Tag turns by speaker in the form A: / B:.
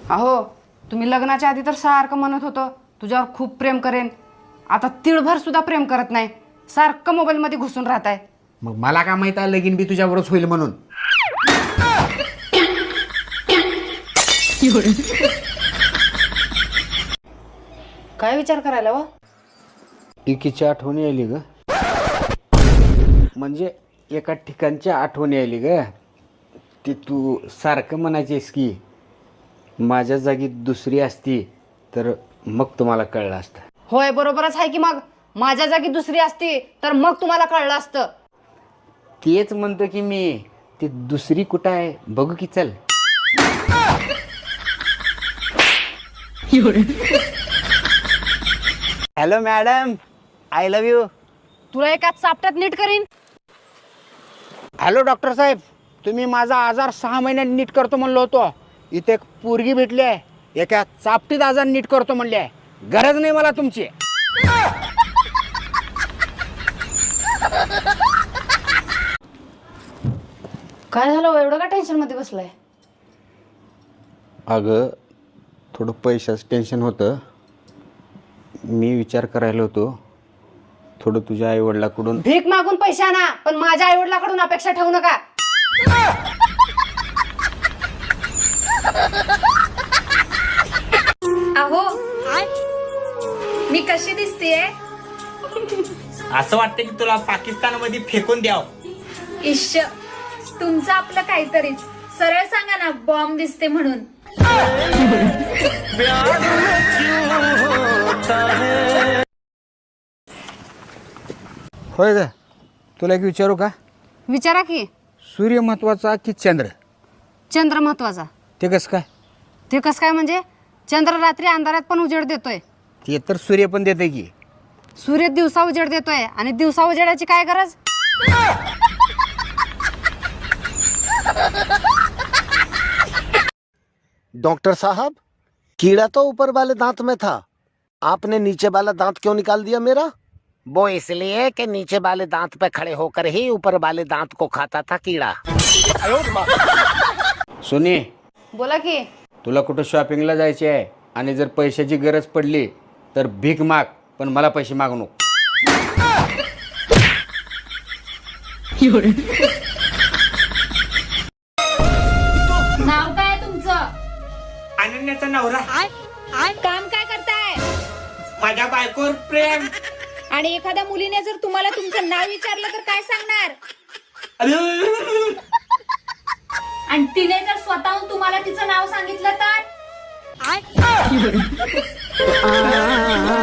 A: अहो तुम्ही लग्नाच्या आधी तर सारखं म्हणत होतं तुझ्यावर खूप प्रेम करेन, आता तिळभर सुद्धा प्रेम करत नाही, सारखं मोबाईलमध्ये घुसून राहताय.
B: मग मला काय माहित आहे लगीन बी तुझ्यावरच होईल म्हणून.
A: काय विचार करायला व?
B: एकीची आठवण यायली ग, म्हणजे एका ठिकाणची आठवण यायली ग. ती तू सारखं म्हणायचीस की माझ्या जागी दुसरी असती तर मग तुम्हाला कळलं असतं.
A: होय बरोबरच आहे की, मग माझ्या जागी दुसरी असती तर मग तुम्हाला कळलं असतं.
B: तेच म्हणतो की मी, ती दुसरी कुठं आहे बघू की, चल. Hello madam, I love you.
A: तुला एका चापट्यात नीट करीन.
B: हॅलो डॉक्टर साहेब, तुम्ही माझा आजार 6 महिन्यात नीट करतो म्हणलो होतो. इथे एक पोरगी भेटली आहे, एका चापटीत आजार नीट करतो म्हणली आहे. गरज नाही मला तुमची.
A: काय झालं एवढं का टेन्शन मध्ये बसलाय?
B: अगं थोडं पैशाचं टेन्शन होतं. मी विचार करायला होतो थोडं तुझ्या आईवडिलाकडून.
A: भीक मागून पैसे आणा, पण माझ्या आईवडिलाकडून अपेक्षा ठेवू नका.
C: अहो मी कशी दिसतेय?
D: असं वाटतं की तुला पाकिस्तानमध्ये फेकून द्याव.
C: इश्श, तुमचं आपलं काहीतरीच. सरळ सांगा ना बॉम्ब दिसते म्हणून.
B: होय ग, तुला एक विचारू का?
A: विचारा की.
B: सूर्य महत्वाचा की चंद्र?
A: चंद्र महत्वाचा.
B: ते कसं काय?
A: ते कसं काय म्हणजे? चंद्र रात्री अंधारात पण उजेड देतोय,
B: ते तर सूर्य पण देते की.
A: सूर्य दिवसा उजेड देतोय, आणि दिवसा उजेडाची काय गरज?
E: डॉक्टर साहब, कीड़ा तो ऊपर वाले दांत में था, आपने नीचे वाला दांत क्यों निकाल दिया मेरा? वो इसलिए कि नीचे वाले दांत पे खड़े होकर ही ऊपर वाले दांत को खाता था कीड़ा.
B: सोनी,
A: बोला की.
B: तुला कुठं शॉपिंगला जायचे आहे आणि जर पैशाची गरज पडली तर भीक माग, पण मला पैसे मागू नको.
C: नाव काय तुमचं?
D: अनन्याचा नवरा.
C: काम काय करताय?
D: माझ्या बायकोवर प्रेम.
C: आणि एखाद्या मुलीने जर तुम्हाला तुमचं नाव विचारलं तर काय सांगणार? आणि तिने जर स्वतःहून तुम्हाला तिचं नाव सांगितलं तर?